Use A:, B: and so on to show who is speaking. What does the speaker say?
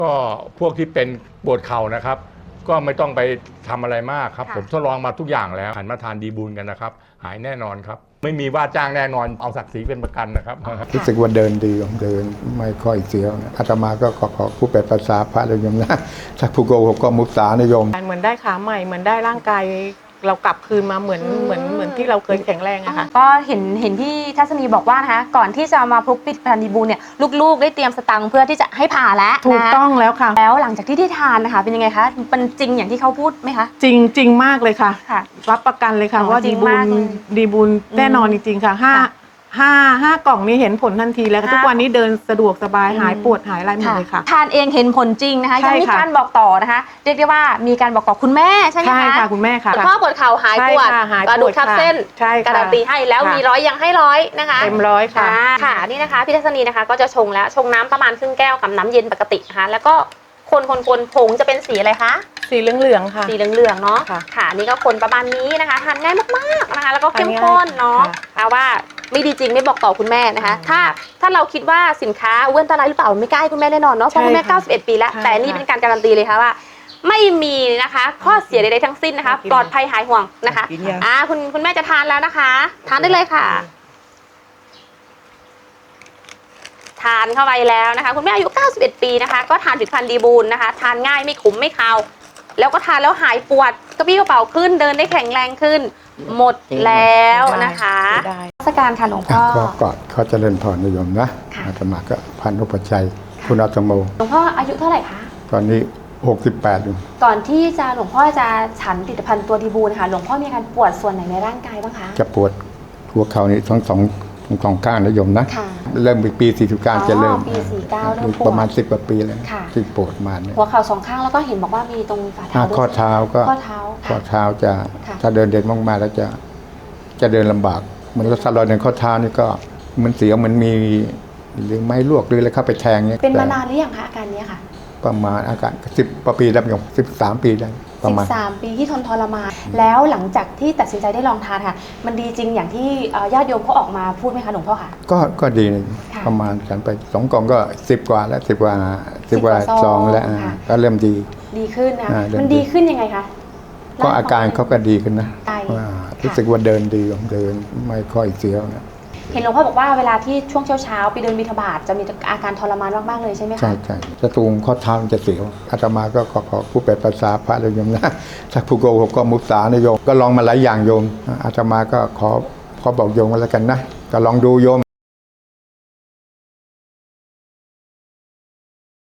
A: ก็พวกที่เป็นปวดเข่านะครับก็ไม่ต้องไปทำอะไรมากครับผมทดลองมาทุกอย่างแล้วหันมาทานดีบูลกันนะครับหายแน่นอนครับไม่มีว่าจ้างแน่นอนเอาศักดิ์ศรีเป็นประกันนะครับ
B: รู้สึกว่าเดินดีเดินไม่ค่อยเสียวนะอาตมาก็ขอผู้แปลภาษาพระเลยโยมนะถ้าผู้โกหกก็มุสานะโยม
C: เหมือนได้ขาใหม่เหมือนได้ร่างกายเรากลับคืนมาเหมือนที่เราเคยแข็งแรงอะค่ะ
D: ก็เห็นพี่ทัศนีบอกว่านะคะก่อนที่จะมาพบผลิตภัณฑ์ดีบูลเนี่ยลูกๆได้เตรียมสตังค์เพื่อที่จะให้ผ่าแล้ว
C: ถูกต้องแล้วค่ะ
D: แล้วหลังจากที่ได้ทานนะคะเป็นยังไงคะเป็นจริงอย่างที่เขาพูดไหมคะ
C: จริงมากเลยค่ะรับประกันเลยค่ะว่าดีบูลแน่นอนจริงๆค่ะห้ากล่องนี้เห็นผลทันทีแล้วทุกวันนี้เดินสะดวกสบายหายปวดหายอะไรหมดเลยค่ะ
D: ทานเองเห็นผลจริงนะคะยังมีการบอกต่อนะคะเรียกได้ว่ามีการบอกต่อคุณแม่ใช่ไหมคะ
C: ใช่ค่ะคุณแม่ค่ะ
D: พ่อปวดเข่าหายปวดกระดูกทับเส้นการันตีให้แล้วมี100ยังให้100นะคะ
C: เต็ม100ค่ะ
D: ค่ะนี่นะคะพี่ทัศนีนะคะก็จะชงแล้วชงน้ำประมาณครึ่งแก้วกับน้ำเย็นปกตินะคะแล้วก็คนผงจะเป็นสีอะไรคะ
C: สีเหลืองๆค่ะ
D: สีเหลืองๆเนาะค่ะนี่ก็คนประมาณนี้นะคะทานง่ายมากๆนะคะแล้วก็เข้มข้นเนาะเอาว่าไม่ดีจริงไม่บอกต่อคุณแม่นะคะถ้าเราคิดว่าสินค้าอ้วนตรายหรือเปล่าไม่กล้าให้คุณแม่แน่นอนเนาะเพราะคุณแม่91ปีแล้วแต่นี่เป็นการการันตีเลยค่ะว่าไม่มีนะคะข้อเสียใดๆทั้งสิ้นนะคะปลอดภัยหายห่วงนะคะคุณแม่จะทานแล้วนะคะทานได้เลยค่ะทานเข้าไปแล้วนะคะคุณแม่อายุ91ปีนะคะก็ทานผลิตภัณฑ์ดีบูลนะคะทานง่ายไม่ขมไม่คาวแล้วก็ทานแล้วหายปวดกระปี้กระเป๋าขึ้นเดินได้แข็งแรงขึ้นหมดแล้วนะคะราชการค่ะหลวงพ่อ
B: ก็เขาเจริญพรนิยมนะอาตมาก็พันธุปชัยคุณอาตโม
D: หลวงพ่ออายุเท่าไหร่คะ
B: ตอนนี้68อยู่
D: ก่อนที่จะหลวงพ่อจะฉันผลิตภัณฑ์ตัวดีบูลค่ะหลวงพ่อมีอาการปวดส่วนไหนในร่างกายบ้างคะ
B: จะปวดหัวเข่านี่ทั้งสองข้างนิยมนะเริ่มปี49จะเริ่ม
D: ปี49เริ่มปวด
B: ประมาณ10 กว่าปีแล้วที่ปวดมาเนี่ย
D: หัวเข่า2ข้างแล้วก็เห็นบอกว่ามีตรงฝ่าเท้า
B: ข้อเท้าก็ข้อเท้าจะถ้าเดินเด่นมากๆแล้วจะเดินลำบากเหมือนถ้าเราเดินข้อเท้านี่ก็เหมือนเสียวมันมีหรือไม้ลวกหรืออะไรเข้าไปแทงเนี่ย
D: เป็นมานานหรือยังคะอาการนี้ค่ะ
B: ประมาณอาการ10 กว่าปีแล้วโยม13 ปีได้ประมาณ
D: 13 ปีที่ทนทรมานแล้วหลังจากที่ตัดสินใจได้ลองทานค่ะมันดีจริงอย่างที่ญาติโยมเขาออกมาพูดไหมคะหลวงพ่อค่ะ
B: ก็ดีประมาณฉันไป2 กล่องก็10 กว่าแล้ว10 กว่าซองแล้วก็เริ่มดี
D: ขึ้นนะมันดีขึ้นยังไงคะ
B: ก็อาการเขาก็ดีขึ้นนะรู้สึกว่าเดินดีเดินไม่ค่อยเสียวนะ
D: เห็นหลวงพ่อบอกว่าเวลาที่ช่วงเช้าไปเดินบิณฑบาตจะมีอาการทรมานมากๆเลยใช่ไหมคะ
B: ใช่จะตรงข้อเท้าจะเสียวอาตมาก็ขอผู้แปลภาษาพระเลยโยมนะถ้าผู้โกหกก็มุสานะโยมก็ลองมาหลายอย่างโยมอาตมาก็ขอบอกโยมกันแล้วกันนะก็ลองดูโยม